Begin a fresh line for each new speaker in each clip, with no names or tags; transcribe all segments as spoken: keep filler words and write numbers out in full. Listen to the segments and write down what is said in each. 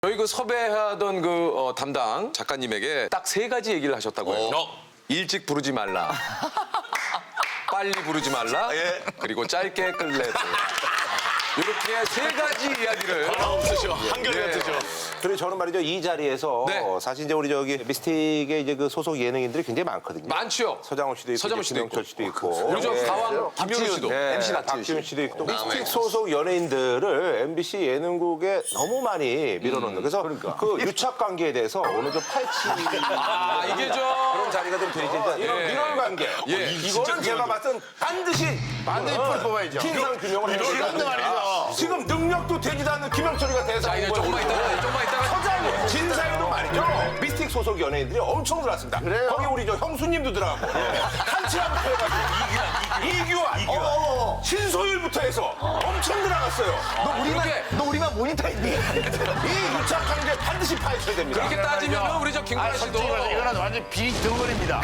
저희 그 섭외하던 그 어, 담당 작가님에게 딱 세 가지 얘기를 하셨다고 해요.
어.
일찍 부르지 말라. 빨리 부르지 말라.
예.
그리고 짧게 끌래. 이렇게 세 가지 이야기를.
없으셔. 한결같으셔.
그리고 저는 말이죠 이 자리에서
네.
사실 이제 우리 저기 미스틱의 이제 그 소속 예능인들이 굉장히 많거든요.
많죠.
서장훈 씨도 있고,
서장훈 씨도
김영철
있고.
씨도 있고,
우리 저
예.
가왕 김현우 씨도.
네,
엠씨
박지훈 씨도 있고
네.
미스틱 소속 연예인들을 엠비씨 예능국에 너무 많이 밀어넣는. 그래서 그 유착 관계에 대해서 오늘 좀 파헤치.
아 이게 저
그런 자리가 좀 되지. 그러니까 이런
예.
민원 관계.
예.
이거는 제가 봤을 땐 반드시
반드시 풀 뽑아야죠.
진상 규명을 해야 돼요.
이런데 말이죠.
지금 능력도 되지도 않는 김영철이가
자
대상
이제
후보에
조금만 있다가 조금만 있다가
서장훈, 진상도 말이죠. 미스틱 소속 연예인들이 엄청 들어왔습니다.
그래요?
거기 우리 저 형수님도 들어가고 한치아부터 해가지고 이규환, 이규환, 신소율부터 해서 엄청 들어갔어요.
너 우리만
그렇게-
너 우리만 모니터했니?
이 유착 관계 반드시 파헤쳐야 됩니다.
그렇게 따지면 우리 저 김구라 씨도
솔직히 말해서 이거는 완전 비리 덩어리입니다.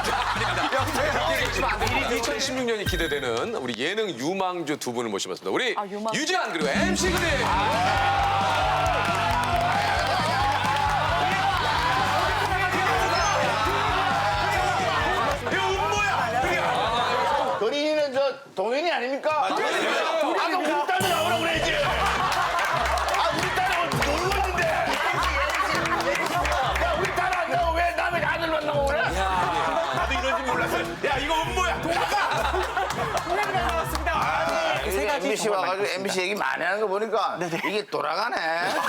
이천십육 년이 기대되는 우리 예능 유망주 두 분을 모셔봤습니다. 우리
아, 유망주.
유지한 그리고 엠씨 그림.
건인이는 저 동현이 아닙니까? 아까 우리 딸도 나오라고 그랬지. 아 우리 딸은 놀고 있는데. 야 우리 딸 안 나오고 왜 남의 아들만 나오고 그래?
나도 이런지 몰랐어요. 야 이거 음모야.
엠비씨 와가지고 엠비씨 얘기 많이 하는 거 보니까 이게 돌아가네.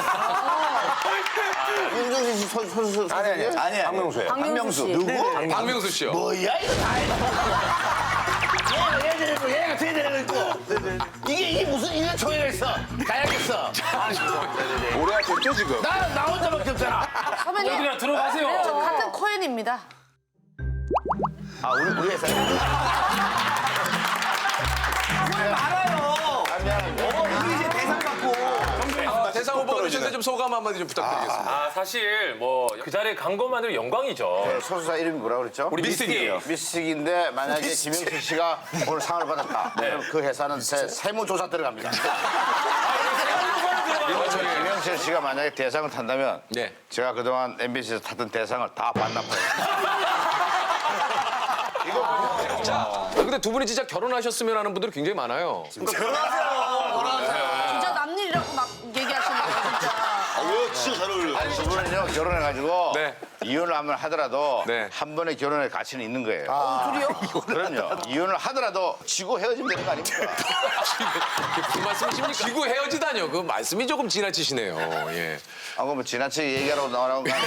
윤종신 씨 선- 선수 아니 아니 아니
박명수예요.
박명수
씨.
누구?
박명수 씨요.
뭐야 이거 다 얘가 얘 되고 얘가 쟤 되고 있고 이게 이게 무슨 이런 총회가 있어 가야겠어.
오래 하셨죠 지금?
나 나 혼자밖에 없잖아.
선배님.
여기나 들어가세요.
저 같은 코엔입니다.
아 우리 우리 회사.
아, 대상 후보가 되셨는데 좀 소감 한마디 좀 부탁드리겠습니다.
아 사실 뭐 그 자리에 간 것만으로 영광이죠.
소수사 이름이 뭐라 그랬죠?
우리 미스틱이에요.
미스틱인데 만약에 김영철 씨가 오늘 상을 받았다. 그럼 그 회사는 세, 세무조사 들어갑니다. 김영철 씨가 만약에 대상을 탄다면
네.
제가 그동안 엠비씨에서 탔던 대상을 다 반납해요.
자, 근데 두 분이 진짜 결혼하셨으면 하는 분들이 굉장히 많아요.
진짜 남일이라고 막 얘기하시는 거 진짜.
진짜 잘 어울려.
두 분은요 결혼해가지고
네.
이혼을 하면 하더라도
네.
한 번의 결혼의 가치는 있는 거예요.
둘이요?
그럼요. 이혼을 하더라도 지고 헤어지면 되는 거 아닙니까?
무슨 말씀이십니까? 지구 헤어지다뇨. 그 말씀이 조금 지나치시네요. 예.
아, 그럼 뭐 지나치게 얘기하라고 나오라고 거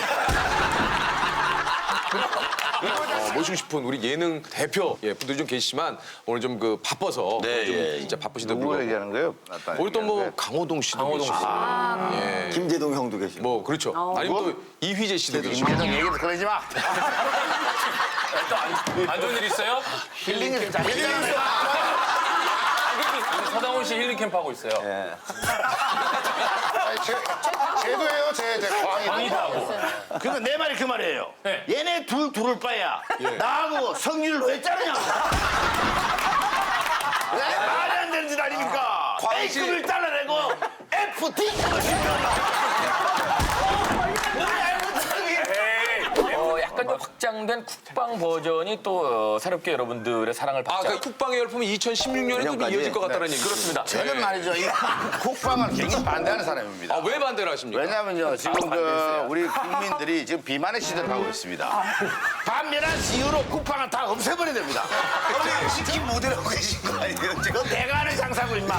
어, 모시고 싶은 우리 예능 대표 예, 분들이 좀 계시지만 오늘 좀 그 바빠서
네,
좀
예.
진짜 바쁘신데
누구
불구하고
얘기하는 거예요?
오늘 또 뭐 강호동 씨도
강호동 씨.
계시고 예.
김재동 형도 계시고.
뭐 그렇죠. 아니면 또 이휘재 씨도 계시고
김재동 얘기도 꺼내지 마.
안 좋은 일 있어요?
힐링이 자 힐링.
서장훈 씨 힐링 캠프 하고 있어요.
제도예요, 제, 제 광이.
광희다고.
그거 내 말이 그 말이에요.
네.
얘네 둘 둘을 빠야 나하고 성질을 왜 짜느냐? 네? 말이 안 되는 짓 아닙니까? A급을 잘라내고 F, D급을
어, 약간 좀 확장된 국방 버전이 또 어, 새롭게 여러분들의 사랑을
아,
받자.
그 국방의 열풍이 이천십육 년에도 좀 이어질 것 같다는 얘기 그렇습니다.
저는 말이죠. 이 국방을 굉장히 반대하는 사람입니다.
아, 왜 반대를 하십니까?
왜냐면요, 지금 그 우리 국민들이 지금 비만의 시대를 가고 있습니다. 반면한 이유로 국방은 다 없애버려야 됩니다.
치킨 모델하고 계신 거 아니에요? 지금?
너 내가 하는 장사고, 임마.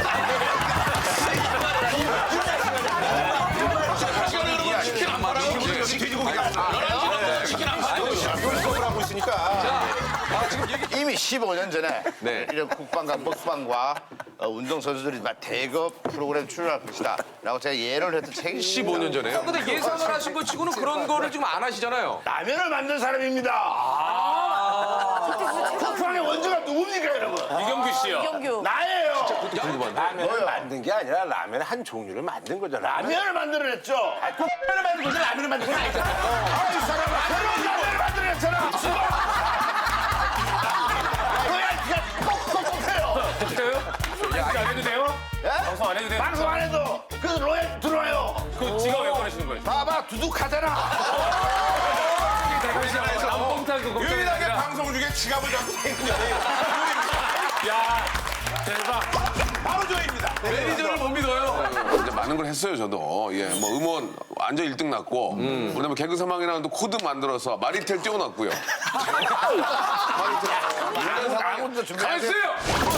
치킨 안 말하고
돼지고기가
치킨 안 말하고
수업을 하고 있으니까.
아, 지금 얘기
이미 십오 년 전에
네.
이런 국방과 먹방과 어, 운동선수들이 막 대거 프로그램 출연할 것이다 라고 제가 예언을 했던 책이 있습니다.
십오 년 전에요. 근데 예상을 하신 것 치고는 그런 거를 지금 안 하시잖아요.
라면을 만든 사람입니다. 국방의 원조가 누굽니까, 여러분?
이경규 씨요.
이경규.
나예요.
궁금한데.
라면을 만든 게 아니라 라면의 한 종류를 만든 거잖아.
라면을 만들어냈죠.
라면을 만든 거지 라면을 만든 건 아니잖아.
아, 이 사람아, 새로운 라면을 만들어냈잖아. 뭐야, 그냥 뻑뻑뻑해요.
안 해도 돼요?
예?
방송 안 해도 돼요?
방송 안 해도 그 로얄 들어와요.
그 지가 왜 하시는 거예요?
봐봐 두둑하잖아.
남봉타고 걱정이
유일하게
아니라.
방송 중에 지갑을 잡고 있는 연예인.
야, 대박.
바로 저입니다.
매니저를 못 믿어요.
이제 많은 걸 했어요, 저도. 예, 뭐 음원 완전 일 등 났고, 그다음에 개그 사망이라는 또 코드 만들어서 마리텔 띄워놨고요.
아무도 준비 안 해.
가만있어요!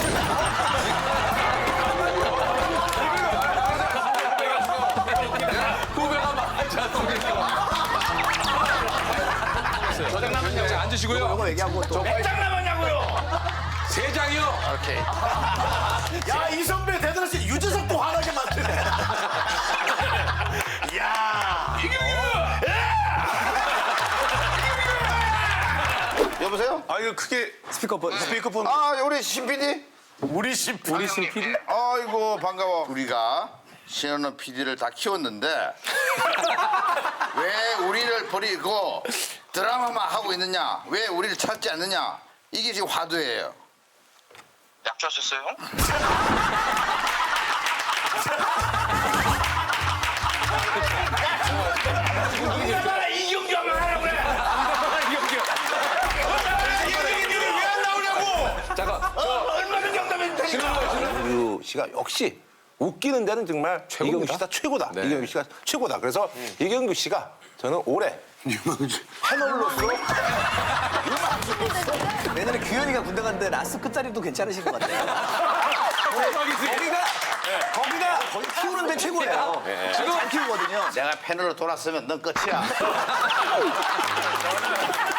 후배가 많지 않습니까? 저장 남았냐고 앉으시고요.
몇 장 남았냐고요?
세 장이요.
야, 이 선배 대단하시 유재석도 화나게 만드네. 야. 여보세요?
아 이거 크게 스피커폰 스피커폰.
아, 우리 신 피디? 우리 신 피디. 우리 신 피디? 아이고, 반가워. 우리가 신현우 피디를 다 키웠는데 왜 우리를 버리고 드라마만 하고 있느냐? 왜 우리를 찾지 않느냐? 이게 지금 화두예요.
약주하셨어요?
우리나라 이경규 하면 하라고 그래.
이경규님이 왜 안 나오냐고.
잠깐.
얼마나 경담해도 되니까.
이경규 씨가 역시 웃기는 데는 정말 이경규 씨가 최고다.
네.
이경규 씨가 최고다. 그래서 이경규 씨가 저는 올해 패널로서
내년에 규현이가 군대 갔는데 라스 끝자리도 괜찮으신 것 같아요. 거기가 거기가 거기 키우는 데 최고예요. 지금 잘 키우거든요.
내가 패널로 돌았으면 넌 끝이야.